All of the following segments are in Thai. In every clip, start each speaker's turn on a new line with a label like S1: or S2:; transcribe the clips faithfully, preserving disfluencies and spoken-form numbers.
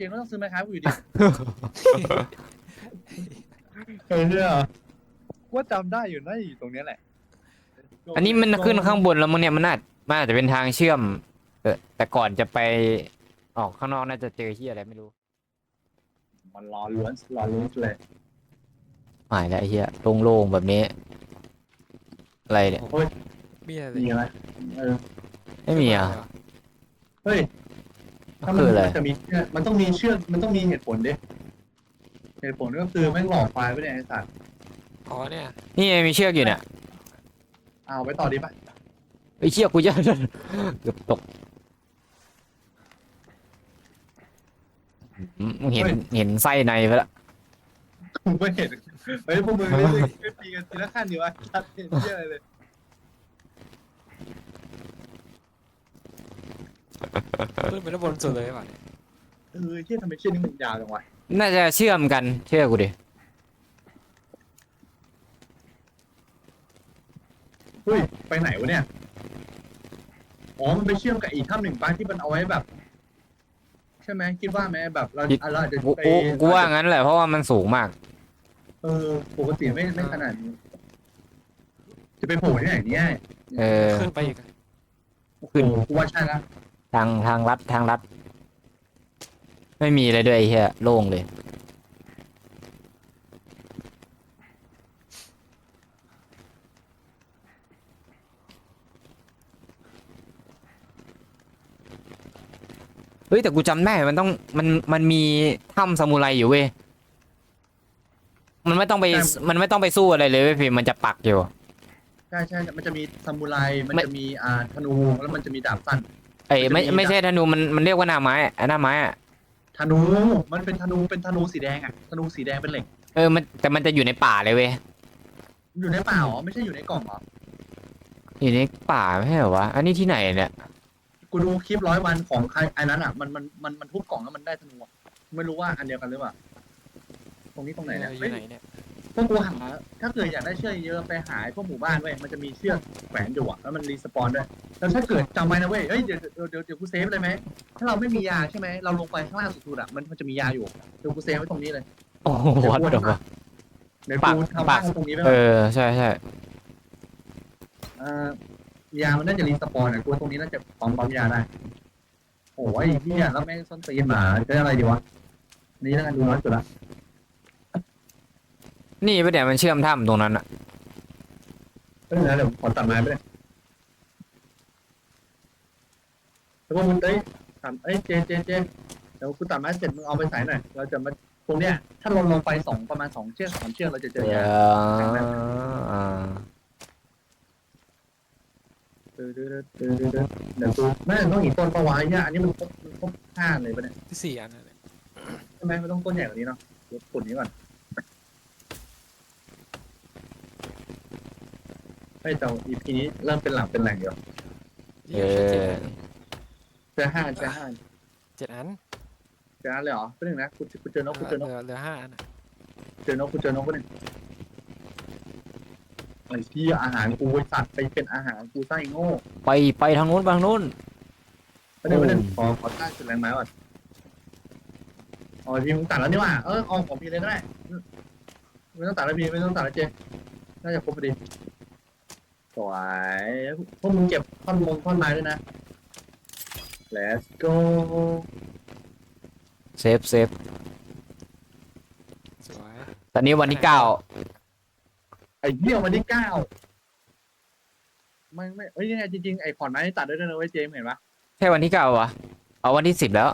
S1: จก็ต้องซื้อไม้ค้ากูอยู่ดีเออเนี่ยว่าจำได้อยู่น่าอยู่ตรงนี้แหละ
S2: อันนี้มันขึ้นข้างบนแล้วมึงเนี่ยมันน่ามันอาจจะเป็นทางเชื่อมเออแต่ก่อนจะไปออกข้างนอกน่าจะเจอที่อะไรไม่รู้
S1: มันรอล้วนรอล้วนเลย
S2: หายแล้วไอ้เหี้ยโล่งๆแบบนี้อะไรเนี่ย
S1: โอ้ย
S3: มีอะไร
S1: มีอะไรเออ
S2: ไม่มีอ่ะ
S1: เฮ้ยถ้ามั
S2: คื
S1: น
S2: ออะไร
S1: มันจะมีเชือกมันต้องมีเชือกมันต้องมีเหตุผลดิเหตุผลก็คือแม่งหลอกควายไปเนี่ยไอ้สัตว์
S3: อ๋อเนี่ย
S2: นี่ไงมีเชือกอยู่เนี่ย
S1: เอาไปต่อดีป่ะ
S2: ไอ้เชือกกูจะเกือบตกอืมเห็นเห็นไส้ในไปแล้ว
S1: กูไม่เห็นเฮ้ยพวกมึงไม่ไม่ไม่ตีกันทีละขั้นดีวะชัดเห็นเยอะเลย
S3: ขึ้นไปด้านบนสุดเลยป่ะเนี่ย
S1: เออเชี่ยทำไมเชี่ยนี่มันยาวจังวะ
S2: น่าจะเชื่อมกันเชื่อกูดิ
S1: เฮ้ยไปไหนวะเนี่ยอ๋อมันไปเชื่อมกับอีกถ้ำหนึ่งป้าที่มันเอาไว้แบบ ใช่ไหมคิดว่าไหมแบบเราเราอาจจะ
S2: กู
S1: ไป
S2: กูกูว่างั้นแหละเพราะว่ามันสูงมาก
S1: เออปกติไม่ไม่ขนาดนี้ จะไปโผล่ที่ไหนเนี่ย
S2: เออ
S3: ขึ้นไปอีก
S2: ขึ้น
S1: โอ้กูว่าใช่ละ
S2: ทางทางลัดทางลัด ไม่มีอะไรด้วยไอ้เหี้ยโล่งเลยเฮ้ยแต่กูจำได้มันต้องมันมันมีถ้ำซามูไรอยู่เว้ยมันไม่ต้องไปมันไม่ต้องไปสู้อะไรเลยเว้ยพี่มันจะปักอยู่
S1: ใช่ใช่มันจะมีซามูไรมัน
S2: ไม่
S1: จะมีอ่าธนูแล้วมันจะมีดาบสั้น
S2: เอ้ยไม่
S1: มันจะมี
S2: ไม่ใช่ธนูมันมันเรียกว่าหน้าไม้อะหน้าไม้อะ
S1: ธนู มันเป็นธนูเป็นธนูสีแดงอ่ะธนูสีแดงเป็นเหล็ก
S2: เออมันแต่มันจะอยู่ในป่าเลยเว้ย
S1: อยู่ในป่าเหรอไม่ใช่อยู่ในกล่องเหรอ
S2: อยู่ในป่าไม่ใช่เหรอวะอันนี้ที่ไหนเนี่ย
S1: กูดูคลิปร้อยวันของใครไอ้นั้นอ่ะมันมันมันมันทุบกล่องแล้วมันได้ธนูอะไม่รู้ว่าอันเดียวกันหรือเปล่าตรงนี้ตรงไหนเนี่ย
S3: อยู่
S1: เฮ้ย
S3: ไหนเนี่ย
S1: พวกกูหาถ้าเกิดอยากได้เชือกเยอะไปหาไอ้พวกหมู่บ้านเว้ยมันจะมีเชือกแขวนอยู่อ่ะแล้วมันรีสปอนด้วยแล้วถ้าเกิดจำไว้นะเว้ยเฮ้ยเดี๋ยวเดี๋ยวเดี๋ยวเดี๋ยวกูเซฟเลยไหมถ้าเราไม่มียาใช่ไหมเราลงไปข้างล่างสุดๆอ่ะมันมันจะมียาอยู่เดี๋ยวกูเซฟไว้ตรงนี้เลย
S2: โอ้โหวัดเดี๋ยววะ
S1: เดี๋ยว
S2: ปาก
S1: กูทำ
S2: ปา
S1: บ้าก นตรงนี้ไป
S2: เอ
S1: ก่อน
S2: อใช่ใช่
S1: เอ่อยามันน่าจะรีสปอนอ่ะกูว่าตรงนี้น่าจะปั๊มปั๊มยาได้โอ้ยพี่อ่ะแล้วแม่งส้นตีนหมาจะอะไรดีวะนี่แล้วกันดูน้อยสุดละ
S2: นี่ไปเดี๋ยวมันเชื่อมถ้ำตรงนั้นอะ
S1: เออเดี๋ยวขอตัดไม้ไปเลยแล้วก็มึงเอ้ยถามเอ้ยเจเจเจเดี๋ยวกูตัดไม้เสร็จมึงเอาไปใส่หน่อยเราจะมาตรงเนี้ยถ้าลงลงไปสองประมาณสองเชือกสามเชือกเราจะเจอยา
S2: อ่า
S1: เดี๋ยวเดี๋ยวเดี๋ยวเดี๋ยวเดี๋ยวเดี๋ยวกูไม่ต้องอีกต้นปะวะเนี่ยอันนี้มันครบมันครบห้าเลยปะเนี่ย
S3: ที่สี่อันนั่นแหละ
S1: ใช่ไหมมันต้องต้นใหญ่กว่านี้เนาะเดี๋ยวขุดนี้ก่อนเฮ้ยแต่ อี พี นี้เริ่มเป็นหลักเป็นแหล่งอยู่
S2: เออ
S1: เจอห้าเจอห้า
S3: เจ็ดอัน
S1: เจอห้าเลยเหรอเป็นหนึ่งนะกูกูเจอนกกูเจอน
S3: เห
S1: ก
S3: ลือเหลือห้าอันอะ
S1: เจอนกกูเจอนกก็หนึ่งไอ้ที่อาหารกูไอ้สัตว์ไปเป็นอาหารกูไส้โง่
S2: ไปไปทางนู้นไปทางนู้น
S1: ไม่ได้ไม่ได้ขอขอตั้งจุดแรงไม้ก่อนอ๋อพี่มึงตัดแล้วนี่หว่าเออเอาของพี่เลยก็ได้ไม่ต้องตัดแล้วพี่ไม่ต้องตัดแล้วเจน่าจะครบพอดีสวยพวกมึงเก็บท่อนมงท่อนไม้ด้วยนะ let's go
S2: เซฟเซฟ
S3: สวย
S2: ตอนนี้วันที่เก้า
S1: ไอ้เหี้ยวันที่เก้าไม่ไม่เอ้ยยังไงจริงๆไอ้ขอนไม้นี่ตัดได้ด้วยนะเว้ยเจมส์เห็นปะ
S2: ใช่วันที่เก้าวะเอาวันที่สิบแล้ว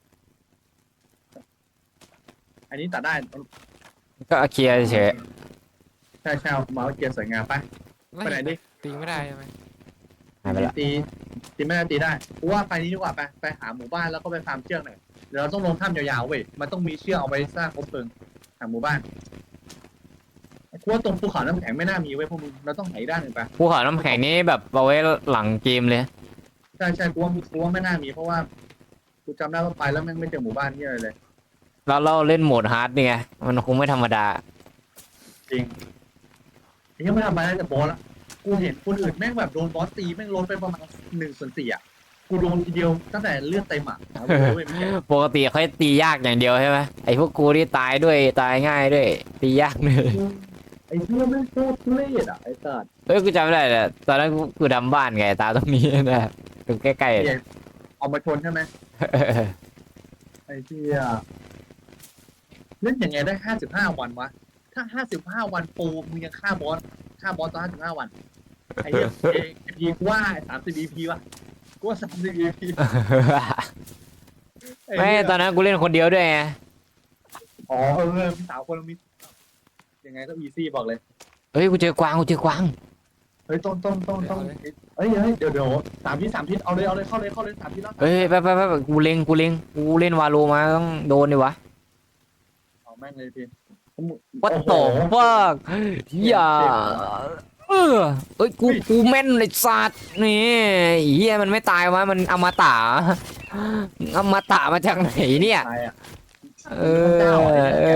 S1: อันนี้ตัดได้
S2: ก็เคลียร์เฉย
S1: ใช่ใช่เอาเมาส์เกียร์สวยงามไปไปไหนดิ
S3: ตีไม่ได้ใช่ไหม
S2: หายไปละ
S1: ตีตีไม่ได้ตีได้กูว่าไปนี้ดีกว่าไปไปหาหมู่บ้านแล้วก็ไปฟาร์มเชือกหน่อยเดี๋ยวเราต้องลงถ้ำยาวๆเว้ยมันต้องมีเชือกเอาไว้สร้างคบเพลิงหาหมู่บ้านกูว่าตรงภูเขาน้ำแข็งไม่น่ามีเว้ยพวกมึงเราต้องหาอีกด้านหนึ่งไป
S2: ภูเขาน้ำแข็งนี้แบบเอาไว้หลังเกมเลย
S1: ใช่ใช่กูว่ากูว่าไม่น่ามีเพราะว่ากูจำได้ว่าไปแล้วแม่งไม่เจอหมู่บ้านที่อะไรเลย
S2: แล้วเราเล่นโหมดฮาร์ดเนี่ยมันคงไม่ธรรมดา
S1: จริงยังไม่ทำไปได้แต่บอสละกูเห็นคนอื่นแม่งแบบโดนบอสตีแม่งลดไปประมาณหนึ่งส่วนสี่อ่ะกูกูโดนทีเดียวตั้งแต่เลือดเต็มอ่ะเอาเลยเว้ยไม่ใช่
S2: ปกติเขาจะตียากอย่างเดียวใช่ไหมไอ้พวกกูนี่ตายด้วยตายง่ายด้วยตียากเลย
S1: ไอ้เหี้ยไม่งโคตรทุเรศอ่ะไอ้สัส
S2: เฮ้ยกูจำไม่ได้เลยตอนนั้นกูกูทำบ้านไงตาตรงนี้นะตรงใกล้ๆ
S1: เนี่ยเอามาชนใช่ไหม
S2: เออ
S1: ไอ้เหี้ยเล่นยังไงได้ห้าสิบห้าวันวะถ้าห้าสิบห้าวันปูมึงยังฆ่าบอสฆ่าบอสตอนห้าสิบห้าวันไอ้เหี้ยเอพีกูว่าสามสิบอีพีวะกูว่าสามสิบอีพี
S2: ไม่ตอนนั้นกูเล่นคนเดียวด้วยไง
S1: อ๋อเออมีสาวคนละมิยังไงก็อีซี่บอกเลย
S2: เฮ้ยกูเจอกวางกูเจอกวาง
S1: เฮ้ยต้องต้องต้องต้องเฮ้ยเฮ้ยเดี๋ยวเดี๋ยวสามทิศสามทิศเอาเลยเอาเลยเข้าเลยเข้าเลยสามทิศแล้ว
S2: เฮ้ยไปไปไปไปกูเล็งกูเล็งกูเล่นวาโลมาต้องโดนดิวะ
S1: เอาแม่งเลยพี่
S2: วัดต่อฟักอย่าเออเอ้ยกูกูแม่นเลยสัตว์นี่เฮียมันไม่ตายวะมันอมตะอมตะมาจากไหนเนี่ย
S1: ตายอ่ะ
S2: เออ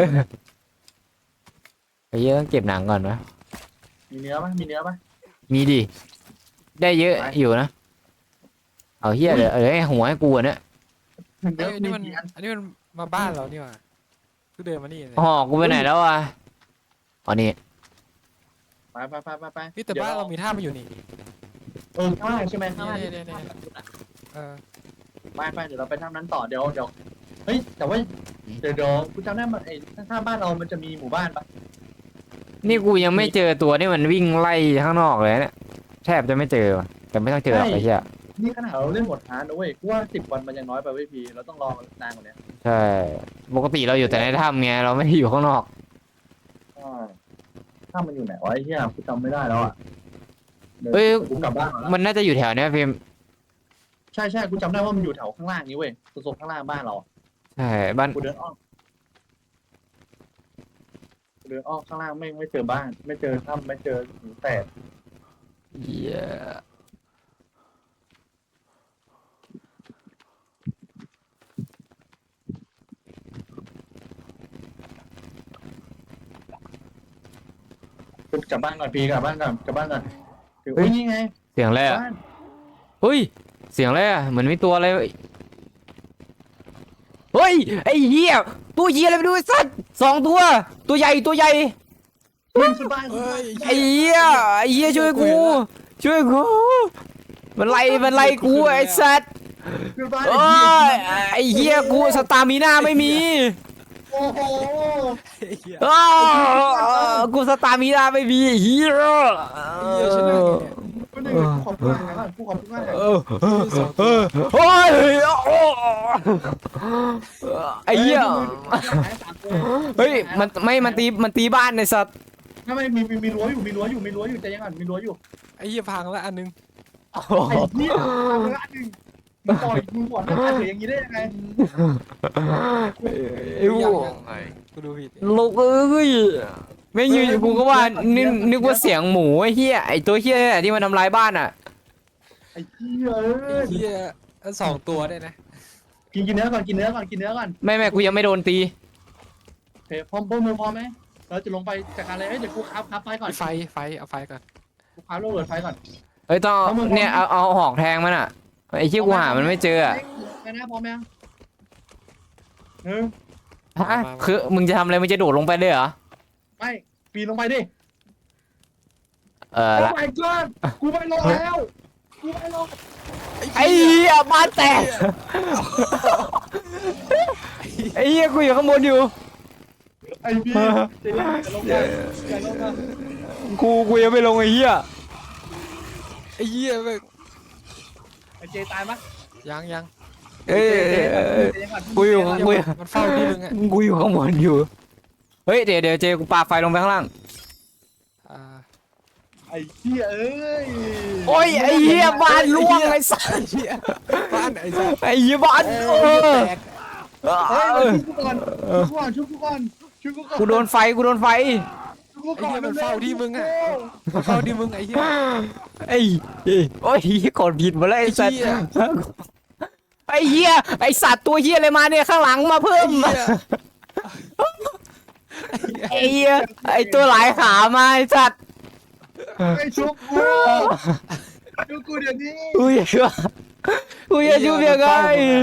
S2: ไอ้เหี้ยต้องเก็บหนังก่อนนะ
S1: มีเนื้อปะมีเนื้อปะ
S2: มีดิได้เยอะอยู่นะเอาเฮียเดี๋ยวเดี๋ยวให้หัวให้กูอะเนี่ย
S1: เนื้
S3: เอ้
S1: อย
S3: อัน
S1: มี
S3: นี้มัน
S1: กี่อัน
S3: อันนี้มันมาบ้านเรานี่หว่าคือเดินมานี่เลย
S2: ห่อกูไปไหนแล้ววะอ๋อนี่
S1: ไปไปไปไปไป
S3: นี่แต่บ้านเรามีท่ามาอยู่นี่
S1: เออข้างล่างใช่ไหมข้างล่าง
S3: เนี่ยเนี่ยเนี่ยเออ
S1: ไปไปเดี๋ยวเราไปทำนั้นต่อเดี๋ยวเดี๋ยวเฮ้ยแต่ว่าเดี๋ยวเดี๋ยวกูจำได้มันไอ้ข้างๆบ้านเรามันจะมีหมู่บ้านปะ
S2: นี่กูยังไม่เจอตัวที่มันวิ่งไล่ข้างนอกเลยเนี่ยแทบจะไม่เจอว่ะแต่ไม่ต้องเจอหรอกไอ้เหี้ย
S1: นี่ขนาดเราเล่นหมดฮาร์ดนะเว้ยกูว่าสิบวันมันยังน้อยไปเว้ยพี่เราต้องรอนานกว่านี้
S2: ใช่ปกติเราอยู่แต่ในถ้ำไงเราไม่ได้อยู่ข้างนอก
S1: ถ้ามันอยู่ไหนวะไอ้เหี้ยกูจำไม่ได้แล้วอ่ะ
S2: เฮ้ย
S1: กูกลับบ้านก่อนแล้ว
S2: มันน่าจะอยู่แถวเนี้ยพิมพ์
S1: ใช่ใช่กูจำได้ว่ามันอยู่แถวข้างล่างนี้เว้ยโซนข้างล่างบ้านเรา
S2: ใช่บ้าน
S1: กูเดินอ้อมกูเดินอ้อมข้างล่างไม่ไม่เจอบ้าน ไม่เจอถ้ำไม่เจอหินแตก
S2: เหี้ย
S1: กูกลับบ้านก่อนพี่กลับบ้านก่อนกลับบ้านก่อนถึงอุ้ยนี่ไง
S2: เสียงอะไรอ่ะ
S1: บ้าน
S2: เฮ้ยเสียงอะไรอ่ะเหมือนมีตัวอะไรเฮ้ยไอ้เหี้ยตัวเหี้ยอะไรไปดูไอ้สัตว์สองตัว ตัวใหญ่ตัวใหญ่
S1: วิ่งขึ้นบ้าน
S3: เฮ้ย
S2: ไอ้เหี้ยไอ้เหี้ยช่วยกูช่วยกูมันไล่มันไล่กูไอ้สัตว์
S1: ขึ้นบ้าน
S2: โอ้ยไอ้เหี้ยกูสตามิน่าไม่มี
S1: โอ้โห
S2: อ้าวกูสตามิน่าไม่มีไอ้เหี้ย
S1: ก็หนึ่งกูขอบคุณมากนะกูขอบคุณมากนะ
S2: เออเออเออโอ้ยโอ้ไอ้เหี้ยเฮ้ยมันไม่มันตีมันตีบ้านในสัตว์
S1: ไม่ไม่มีมีมีรั้วอยู่มีรั้วอยู่มีรั้วอยู่ใจยังไงมีรั้วอยู่
S3: ไอ้เหี้ยพังแล้วอันนึง
S1: ไอ้เหี้ยทำละหนึ่งมึงปล่อยมึงบอกหน้าตาเสียอย่างนี้ได้ยังไง
S2: ไอ้พวก
S3: กูดูผิด
S2: ลูกเอ้ยไม่ยืนกูก็ว่านึกนึกว่าเสียงหมูไอ้เหี้ยไอ้ตัวเหี้ยนี่แหละที่มันทำลายบ้านอ่ะ
S1: ไอ้เหี้ยเอ้
S3: ไอ้
S1: ย
S3: เหี้ยอันสองตัวได้นะ
S1: กินกินเนื้อก่อนกินเนื้อก่อนกินเนื้อก่อน
S2: ไม่ไม่กูยังไม่โดนตี
S1: โอเคพร้อมพร้อมมือพร้อมไหมเราจะลงไปจัดการเลยเอ้ยเดี๋ยวกูคับคับไฟก่อน
S3: ไฟไฟเอาไฟก่อน
S1: กูคับโรเบิร์ตไฟก่อน
S2: เฮ้ยต้อง
S1: เอามือ
S2: เนี่ยเอาเอาหอกแทงมันอ่ะไอ้เหี้ยกูหามันไม่เจออ่ะ
S1: ไปนะพร้อมยังหนึ่ง
S2: ฮะคือมึงจะทำอะไรมึงจะโดดลงไปเลยเหรอ
S1: ไม่ปีนลงไปดิ
S2: เออ
S1: โอ้
S2: ละ
S1: my god กูไม่ลงแล้วกูไม่ลง
S2: ไอ้เหี้ยบ้านแตกไอ้เหี้ยกูอยู่ข้างบนอยู่
S1: ไอ้พี่จะลงจะลงได้จะลงได้
S2: กูกูยังไม่ลงไอ้เหี้ย
S3: ไอ้เหี้ยแบบ
S1: ไอ้เจตายปะ
S3: ยังยัง
S2: เอ้ย
S1: เจ
S2: เอ้ย
S1: เจ
S2: เอ้ย
S1: เจก่อน
S2: กูอยู่
S3: มันมันเฝ้าที่มึงอ่ะ
S2: กูอยู่ข้างบนอยู่เฮ้ยเดี๋ยวเดี๋ยวเจกูปาไฟลงไปข้างล่าง
S3: อ่า
S1: ไอ้เหี้ยเอ้ย
S2: โอ้ยไอ้เหี้ยบ้านล่วงไอ้สัส
S3: ไอ้เหี้ยบ้านไอ้สัส
S2: ไอ้เหี้ยบ้าน
S1: เอ
S2: เอ
S1: อ
S2: อ
S1: แตกเฮ้ยชุบกูก่อนชุบกูก่อนชุบกูก่อนชุบกูก่อน
S2: กูโดนไฟกูโดนไฟ
S1: ชุบกูก่อน
S3: ไอ้เหี้ยมันเฝ้าที่มึงอะมันเฝ้าที่มึงไอ้เหี้ย
S2: ไอ้เอ้ยโอ้ยกดผิดหมาแล้วไอ้สัส
S3: ไอ้เหี้ย
S2: ไอ้เหี้ยไอ้สัตว์ตัวเหี้ยอะไรมาเนี่ยข้างหลังมาเพิ่ม
S3: ไอ้เหี้ย
S2: ไอ้เหี้ยไอ้ตัวหลายขามาไอ้สัตว์
S1: ไอ้ชุบกูชุบกูเดี๋ยวนี้
S2: อุ้ยกูจะชุบยังไง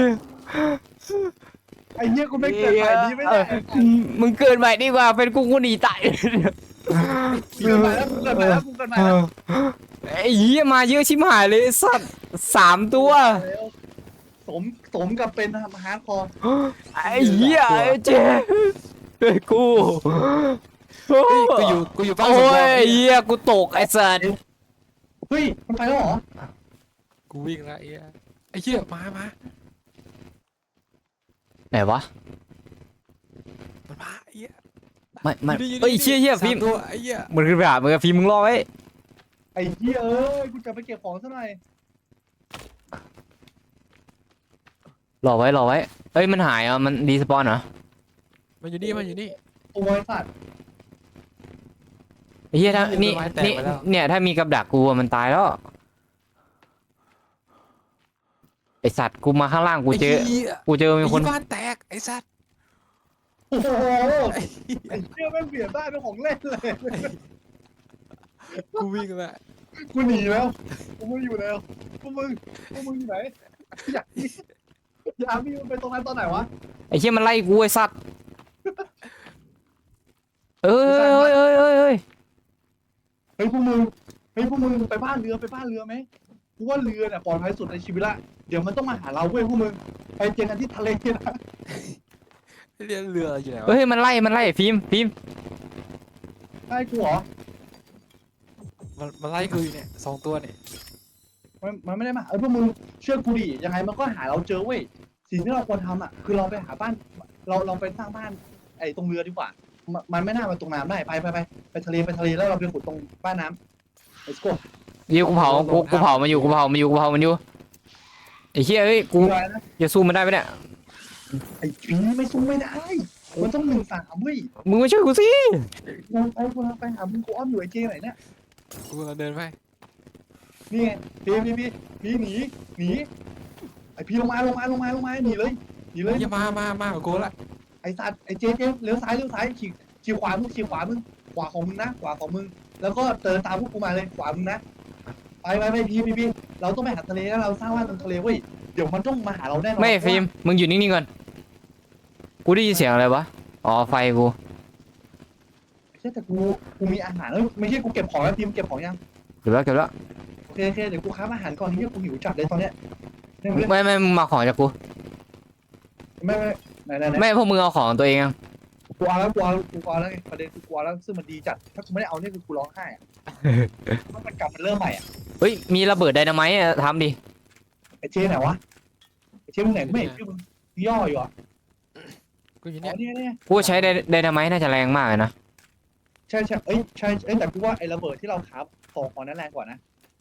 S1: ไอ้เหี้ยกูไม่เกิดใหม่ดีไม่ได้
S2: มึงเกิดใหม่ดีกว่าเป็นกูกูหนีตาย
S1: เกิดใหม่แล้วกูเกิดใหม่แล้วกูเกิดใหม่แล้ว
S2: ไอ้เหี้ยมาเยอะชิบหายเลยไอ้สัตว์สามตัว
S1: สมสมกับเป็นฮาร์ดคอร์
S2: ไอ้เหี้ยไอ้เจ๊ไอ้กู
S3: เฮ้ยกูอยู่กูอยู่บ้าน
S2: โอ้
S3: สำร
S2: ย
S3: อง
S2: ไอ้เหี้ยกูตกไอ้สัตว์
S1: เฮ้ยมันไปแล้วเหรอ
S3: กูวิ่งละไอ้เหี้ยไอ้เหี้ยมามา
S2: ไหนวะ
S3: มันมาไอ้เหี้ย
S2: ไม่ไม่
S3: อนี่
S2: เฮ้ยเชี่ยเชี่ย
S3: สา
S2: ฟิล์ม
S3: ตัวไอ้เหี้ย
S2: มันขึ้นไปหามึงกับฟิล์มมึงรอไว้
S1: ไอ้เหี้ยเอ้ยกูจะไปเก็บของซะหน่อย
S2: รอไว้รอไว้เอ้ยมันหายอ่ะมันดีสปอนเหรอ
S3: มันอยู่นี่มันอยู่นี่
S1: โอ้ยสัตว์
S2: ไอ้เหี้ยถ้า
S3: ต้น
S2: นี่
S3: ไม้แตก
S2: นี่
S3: ไปแล้ว
S2: เนี่ยถ้ามีกับดักกูอะมันตายแล้วไอสัตว์กูมาข้างล่างกูเจอ
S3: ไอ้เหี้ย
S2: กูเจอมี
S3: ไอ้
S2: คน
S3: บ้านแตกไอ้สัตว์
S1: โอ้โหไอ้เหี้ยแม่งเบียดได้เป็นของเล่นเลย
S3: กูวิ่งละ
S1: กูหนีแล้วกูไม่อยู่แล้วพวกมึงพวกมึงอยู่ไหนอยากอยากมีมันไปตรงนั้นตอนไหนวะ
S2: ไอ้เหี้ยมันไล่กูไอ้สัตว์เอ้ยเอ้ยเอ้ยเอ้ยเอ้ย
S1: เฮ้ยพวกมึงเฮ้ยพวกมึงไปบ้านเรือไปบ้านเรือไหมกูว่าเรือเนี่ยปลอดภัยสุดในชีวิตละเดี๋ยวมันต้องมาหาเราเว้ยพวกมึงไปเจอกันที่ทะเลนะ
S3: เรือเรืออยู่ไหนวะ
S2: เฮ้ยมันไล่มันไล่ฟิล์มฟิล์ม
S1: ใช่กูเหรอ
S3: มันมันไล่กูอยู่เนี่ยสองตัวเนี่ย
S1: มันมันไม่ได้มาเออพวกมึงเชื่อกูดิยังไงมันก็หาเราเจอเว้ยสิ่งที่เราควรทำอ่ะคือเราไปหาบ้านเราเราไปสร้างบ้านไอ้ตรงเรือดีกว่ามันมันไม่น่ามาตรงน้ำได้ไปไปไปไปทะเลไปทะเลแล้วเราไปขุดตรงบ้านน้ำ let's go
S2: เดี๋ยวกูเผากูกูเผามันอยู่กูเผามันอยู่กูเผามันอยู่ไอ้เหี้ยเอ้ยกู
S1: อะไรนะ
S2: จะสู้มันได้ไหมเนี่ย
S1: ไอ้ผีไม่สู้ไม่ได้มันต้องหนึ่งสามเว้ย
S2: มึงมาช่วยกูสิ
S1: กูไปกูไปหามึงกูอ้อมอยู่ไอ้เจไหนเนี่ย
S3: กูกำลังเดินไป
S1: นี่ไงพี่พี่พี่พี่หนีหนีไอ้พี่ลงมาลงมาลงมาลงมาหนีเลยหนีเลย
S3: อย่ามามามากับกูละ
S1: ไอ้สัตว์ไอ้เจเจเลี้ยวซ้ายเลี้ยวซ้ายขี่ขี่ขวามึงขี่ขวามึงขวาของมึงนะขวาของมึง แล้วก็เดินตามพวกกูมาเลยขวามึงนะไปไปไปพี่พี่พี่เราต้องไปหาทะเลแล้วเราสร้างบ้านตรงทะเลเว้ยเดี๋ยวมันต้องมาหาเราแน่นอน
S2: ไม่ฟิล์มมึงอยู่นิ่งๆก่อนกูได้ยินเสียงอะไรวะอ๋อไฟกู
S1: ใช่แต่กูกูมีอาหารเอ้ยไม่ใช่กูเก็บของแล้วพิมพ์เก็บของยัง
S2: เก็บแล้วเก็บแล้ว
S1: โอเคโอเคเดี๋ยวกูค้าอาหารก่อนที่กูหิวจัดเลยตอนเนี้ยไม่ไม่
S2: ไม่ไม่มึงมาของจากกู
S1: ไม่ไม่ไหนไหนไหน
S2: ไม่พวกมึงเอาของตัวเองอะ
S1: กูเอาแล้วกูเอากูเอาแล้วไงประเด็นคือกูเอาแล้วซึ่งมันดีจัดถ้ากูไม่ได้เอาเนี่ยคือกูร้องไห้อะมันมันกลับมันเริ่มใหม่อ่ะ
S2: เฮ้ยมีระเบิดไดนาไมต์อะทำดิ
S1: ไอ้เจไหนวะไอ้เจมึงไหนกูไม่เห็นชื่อมึงย่ออยู่อ่ะ
S3: กูอยู่
S1: อ๋
S3: เนี่
S1: อย เนี่ยเนี่ย
S2: กูใช้ไดไดนาไมต์น่าจะแรงมากเลยนะ
S1: ใช่ใช่เอ้ยใช่เอ้ยแต่กูว่าไอ้ระเบิดที่เราครับสองของนั้นแรงกว่านะ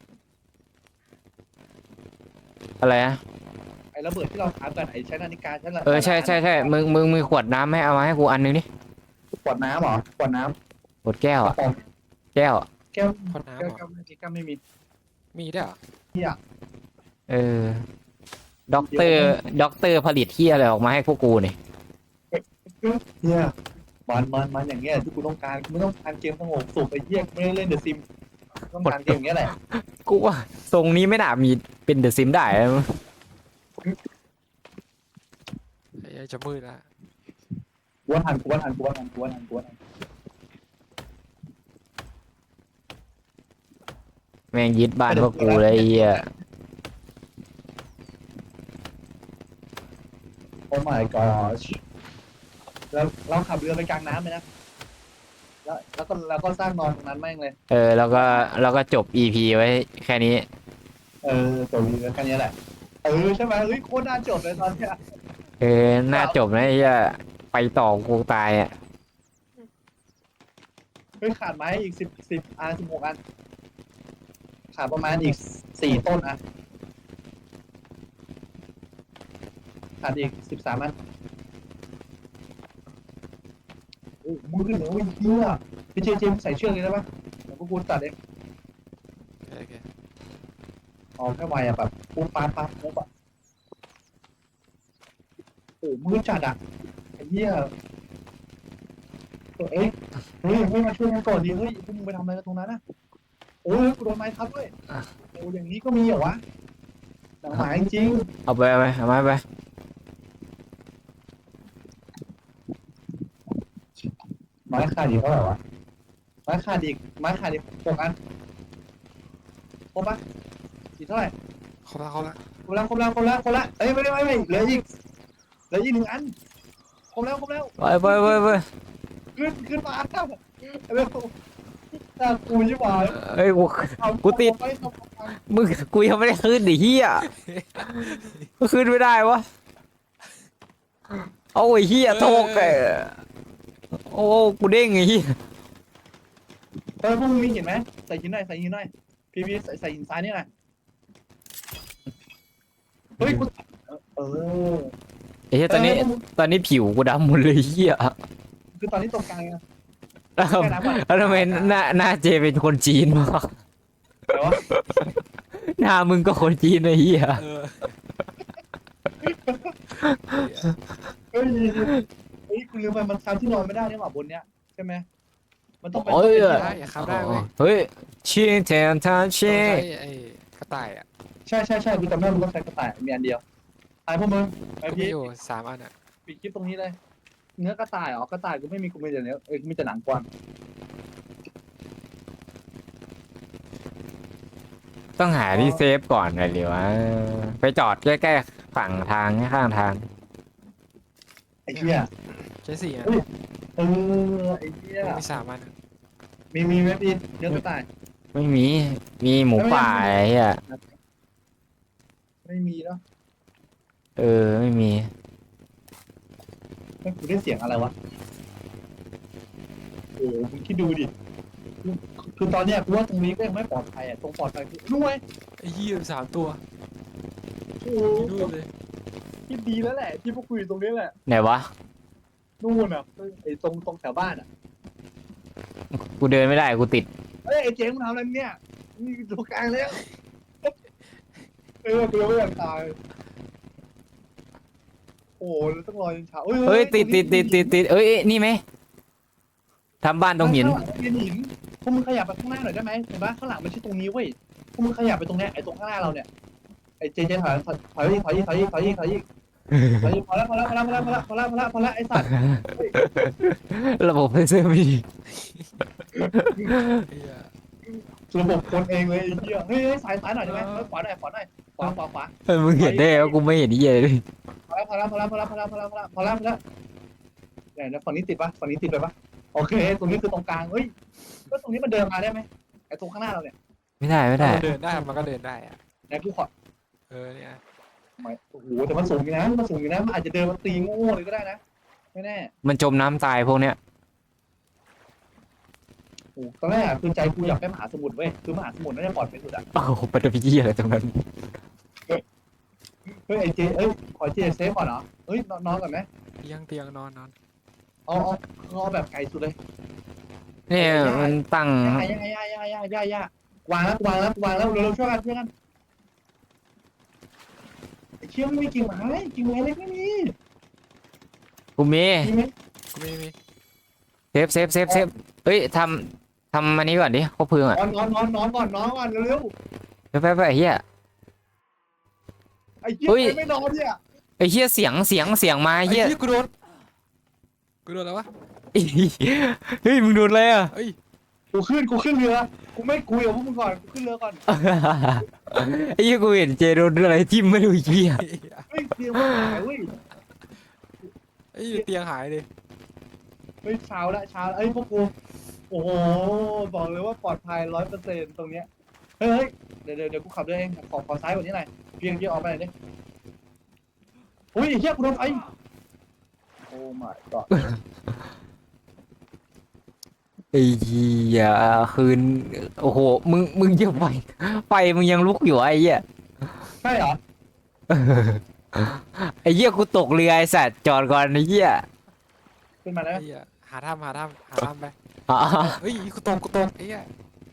S2: อะไรนะ
S1: ไอ้ระเบิดที่เราครับกันไอ้ใช้นาฬิกาใช้
S2: เออใช่ใช่ใช่มึงมึงมีขวดน้ำให้เอามาให้กูอันนึงดิ
S1: ขวดน้ำเหรอขวดน้
S2: ขวดแก้ว
S1: ำก
S2: อะ
S1: ระป๋อง
S2: แก้วอะ
S1: แก้ว
S3: พอน้ำ
S1: แก้ว
S3: เหรอ
S1: แก้วไม่มีแก้วไม่มี
S3: มีได้วยเหรอ
S2: เออด็อกเตอร์ด็อกเตอร์ผลิตที่อะไรออกมาให้พวกกูเนี่ย
S1: เนี่ยมันมันมันอย่างเงี้ยที่กูต้องการกูไม่ต้องการเกมสงบสุขไอ้เหี้ยกูไม่ได้เล่นเดอะซิมต้องการเกมอย่างเงี้ยแหละ
S2: กูว่าทรงนี้ไม่น่ามีเป็นเดอะซิมได้นะ
S3: ไอ้เหี้ยจะมืดละ
S1: กูว่าทันกูว่าทันกูว่าทันกูว่าทันกูว่าทัน
S2: แม่งยึดบ้านพวกกูเลยไอ้เหี้ย
S1: โอ้ my gosh แล้วเราขับเรือไปกลางน้ำเลยนะ แล้วแล้วก็แล้วก็สร้างนอนตรงนั้นแม่งเลย
S2: เออแล้วก็แล้วก็จบ อี พี ไว้แค่นี้
S1: เออจบเรือแค่นี้แหละ เออใช่ไหมเฮ้ยโคตรน่าจบเลยตอนเนี้ย
S2: เออน่าจบนะไอ้เหี้ยไปต่อกูตายอ่ะ
S1: เฮ้ยขาดไม้อีกสิบสิบอันสิบหกอัน ขาดประมาณอีกสี่ต้นอ่ะ ขาดอีกสิบสามอันโอ้มือเหนือวิ่งเที่ยพี่เจเจมใส่เชือกเลยได้ปะเดี๋ยวพวกกูตัดเอง
S3: โอเค
S1: อ๋อแค่ไวอะแบบปุ๊บปั๊บปั๊บปุ๊บอะโอ้มือจัดอะไอ้เหี้ยเอ้ยเฮ้ยเฮ้ยมาช่วยกันก่อนดิเฮ้ยพวกมึงไปทำอะไรกันตรงนั้นนะโอ้ยกูโดนไม้ทับด้วยโอ้อย่างนี้ก็มีเหรอวะหนังหมาจริง
S2: เอาไปเอาไปเอาไม้ไป
S1: ๆไม้ขาดอีกเท่าไหร่วะไม้ขาดอีกไม้ขาดอีกหกอันครบปะอีกเท่าไหร่
S3: เขาละเขาละ
S1: ครบแล้วครบแล้วครบแล้วครบแล้วเอ้ยไม่ได้ไม่ไม่เหลืออีกเหลืออีกหนึ่งอันครบแล้วครบแล้ว
S2: ไปไปไปไป
S1: ขึ้นขึ้นมาเร็วน่ากูยิ่งหวาน
S2: เอ้ยกู กูติด มึงกูยังไม่ได้ขึ้นดิเฮียกูขึ้นไม่ได้วะเอาไอ้เฮียโทกไอ้โอ้กูเด้งไอ้เฮีย
S1: เออพวกมึงมีหินไหมใส่หินหน่อยใส่หินหน่อยพี่พี่ใส่ใส่หินซ้ายนี่หน่อยเฮ้ยกูเออ
S2: ไอ้เฮียตอนนี้ตอนนี้ผิวกูดำหมดเลยเฮีย
S1: คือตอนนี้ตรงกลางไง
S2: แล้วแล้วทำไมหน้าหน้าเจเป็นคนจีนวะ
S1: แต่ว่า
S2: หน้ามึงก็คนจีนไอ้เฮีย
S3: เออ
S1: เฮ้ยเฮ้ยคุณลืมไปมันทำที่นอนไม่ได้นี่หว่าบนเนี้ยใช่ไหมมันต้องเป็น
S2: โอ้ย
S3: ได้อย่าขับได้เว้ย
S2: เฮ้ยชิงแทนทานเช
S3: ต้องใช้ไอ้กระต่ายอ่ะ
S1: ใช่ใช่ใช่กูจำได้มันต้องใช้กระต่ายมีอันเดียวไอ้พวกมึงไอ้
S3: มี
S1: พี่
S3: อยู่สามอันอ่ะ
S1: ปิดคลิปตรงนี้เลยเนื้อกระต่ายอ๋อกระต่ายกูไม่มีกูมีแต่เนื้อเอ้ยมีแต่หนังกวาง
S2: ต้องหาที่เซฟก่อนหน่อยหรือวะไปจอดใกล้ๆฝั่งทางข้างทาง
S1: ไอ้เหี้ย
S3: ใช้สี่อัน
S1: เออไอ้เหี้ย
S3: มีสามอันอะ
S1: มีมีไหมพี่เนื้อกระต่าย
S2: ไม่มีมีหมูป่าไอ้เฮีย
S1: ไม่มีเนาะ
S2: เออไม่มี
S1: ไม่กูได้เสียงอะไรวะโอ้คุณคิดดูดิคือคือตอนเนี้ยกูว่าตรงนี้ก็ยังไม่ปลอดภัยอ่ะตรงปลอดภัยคือนู่นไง
S3: ไอ้เหี้ยสามตัว
S1: โอ้
S3: ดูเลย
S1: คิดดีแล้วแหละที่พวกคุยตรงนี้แหละ
S2: ไหนวะ
S1: นู่นอ่ะไอ้ตรงตรงแถวบ้านอ่ะ
S2: กูเดินไม่ได้กูติด
S1: เอ้ยไอ้เจ๊มึงทำอะไรเนี่ยนี่ตรงกลางแล้วเออกูยังไม่อยากตายโอ้แล้วต้องรอจนเช้า
S2: เฮ้ยติดติดติดติดติดเอ้ยนี่ไหมทำบ้านตรงหิน
S1: ข้างหลังเป็นหินพวกมึงขยับไปข้างหน้าหน่อยได้ไหมเห็นปะข้างหลังไม่ใช่ตรงนี้เว้ยพวกมึงขยับไปตรงเนี้ยไอ้ตรงข้างหน้าเราเนี่ยไอ้เจเจถอยถอยถอยถอยถอยถอยถอยถอยพอแล้วพอแล้วพอแล้วพอแล้วพอแล้วพอแล้วพอแล้วพอแล้วไอ้สัตว์
S2: ระบบเพเซอร์ไม่ดี
S3: ไอ้เหี้ย
S1: ระบบคนเองเลยไอ้เหี้ยเฮ้ยสายสายหน่อยได้ไหมขวาหน่อยขวาหน่อยขวาขวาขวา
S2: เออมึงเห็นได้ว่ากูไม่เห็นเหี้ยเลย
S1: พอแล้วพอแล้วพอแล้วพอแล้วพอแล้วพอแล้วพอแล้วพอแล้วพอแล้วเนี่ยฝั่งนี้ติดปะฝั่งนี้ติดไปปะโอเคตรงนี้คือตรงกลางเฮ้ยก็ตรงนี้มันเดินมาได้ไหมไอ้ตรงข้างหน้าเราเนี่ย
S2: ไม่ได้ไม่ได้
S3: มันเดินได้มันก็เดินได้อ่ะ
S1: ไหนกูขอ
S3: เออเนี่ย
S1: ไม่โอ้โหแต่มันสูงอยู่นะมันสูงอยู่นะมันอาจจะเดินมาตีโง่เลยก็ได้นะไม่แน่
S2: มันจมน้ำตายพวกเนี้ย
S1: โอ้ตอนแรกคือใจกูอยากไปมหาสมุทรเว้ยคือมหาสมุทรน่าจะปลอดภัยสุดอ่ะ
S2: โอ้โหปฐพีเหี้ยอะไรตรงนั้น
S1: เฮ้ยไอ้เจเอ้ยขอเจเซฟก่อนเหรอเฮ้ยนอนก่อนไหม
S3: เตียงเตียงนอนนอน
S1: เอาเอาเอาแบบไกลสุดเลย
S2: เนี่ยมันตั้ง
S1: ย่าย่าย่าย่าย่าย่าย่าวางแล้ววางแล้ววางแล้วเร็วๆช่วยกันช่วยกันไอ้เชี่ยไม่มีกิ่งไม้กิ่งไม้เล็กไม่มี
S2: กูมี
S1: มีไหม
S3: กูไม่มี
S2: เซฟเซฟเซฟเซฟเฮ้ยทำทำอันนี้ก่อนดิคบเพลิงอ่ะ
S1: นอนนอนนอนนอนก่อนนอนก่อนเร็ว
S2: ไปไปไปไอ้เหี้ย
S1: ๆไอ้เชี่ย
S2: เฮ้ย
S1: ใครไม่นอนเนี่ย
S2: ไอ้เหี้ยเสียงเสียงเสียงมา
S3: ไอ้
S2: ไอ้
S3: เหี้
S2: เหี้
S3: ย
S2: ย
S3: กูโดนกูโดนแล้ววะ
S2: เฮ้ยมึงโดนอะไรอ่ะ
S3: เอ้ย
S1: กูขึ้นกูขึ้นเรือกูไม่คุยกับพวกมึงก่อนกูขึ้นเรือก่อน
S2: ไอ้เหี้ยกูเห็นเจโดนอะไรทิ่มไม่รู้ไอ้เหี้ย
S1: เฮ้ยเตียงมันหายเว้ย
S3: ไอ้เหี้ยเตียงหายเลย
S1: เฮ้ยเช้าละเช้าละเอ้ยพวกกูโอ้โหบอกเลยว่าปลอดภัยร้อยเปอร์เซ็นต์ตรงเนี้ยเฮ้ยเฮ้ยเดี๋ยวเดี๋ยวเดี๋ยวกูขับด้วยเองขอขอซ้ายกว่านี้หน่อยเพียงเพียงออกไปหน่อยดิอุ้ยไอ้เหี้ยกูโดนไฟโอ้ my god
S2: ไอ้เหี้ยคืนโอ้โหมึงมึงจะไฟไฟมึงยังลุกอยู่ไอ้เหี้ย
S1: ใช่เหรอ
S2: ไอ้เหี้ยกูตกเรือไอ้สัตว์จอดก่อนไอ้เหี้ย
S1: ขึ้นมาได้ไหม
S3: ไอ้เหี้ยหาทำหาทำหาทำไป
S2: อ๋อ
S3: เฮ้ยกูตกกูตกไอ้เหี้ย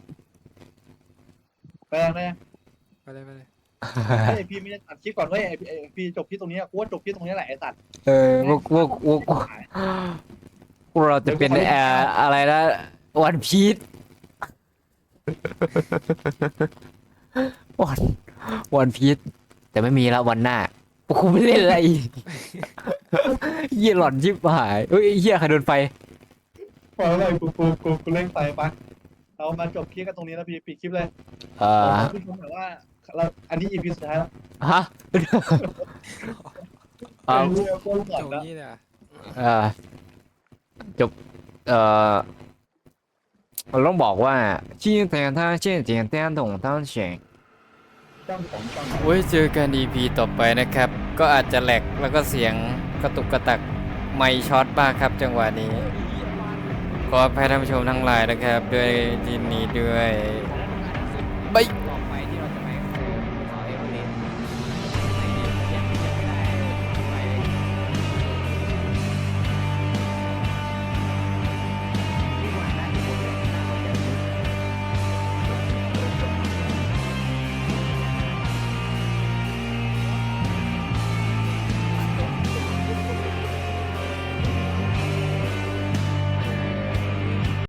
S1: ไปยังไง
S3: ไปเลยไปเลย
S1: ไอพี่ไม่ได้ตัดคลิปก่อนเว้ยไอพี่ไอพี่จบคลิปตรงนี้อะกูว่าจบคลิปตรงนี้แหละไอสัตว์
S2: เออพวกพวกพวกพวกเราจะเป็นเอ่ออะไรนะวันพีชวันวันพีชแต่ไม่มีแล้ววันหน้ากูไม่เล่นอะไรอีกเหี้ยหลอนชิบหายเฮ้ยเหี้ยใครโดนไฟ
S1: พอแล้วกูกูกูกูเล่นไปปะเรามาจบคลิปกันตรงนี้แล้วพี่ปิดคลิปเลย
S2: เอ่อ
S1: พี่ชมแบบว่าเราอันนี้ อี พี สุดท้ายแล้ว
S2: ฮะเอา
S1: เรื่องโกงก่อน
S3: โจ
S1: แล้ว
S3: นี่เนี่ย
S2: เอ่อจบเอ่อเราต้องบอกว่าที่แต่ถ้าเช่นเจียนเต้นถงตั้งเฉียง
S1: จ้องของจ้อง
S3: ไว้เจอกัน อี พี ต่อไปนะครับ ก็อาจจะแหลกแล้วก็เสียงกระตุกกระตักไม่ช็อตบ้างครับจังหวะนี้ ขออภัยท่านผู้ชมทั้งหลายนะครับ ด้วยยินดีด้วยบาย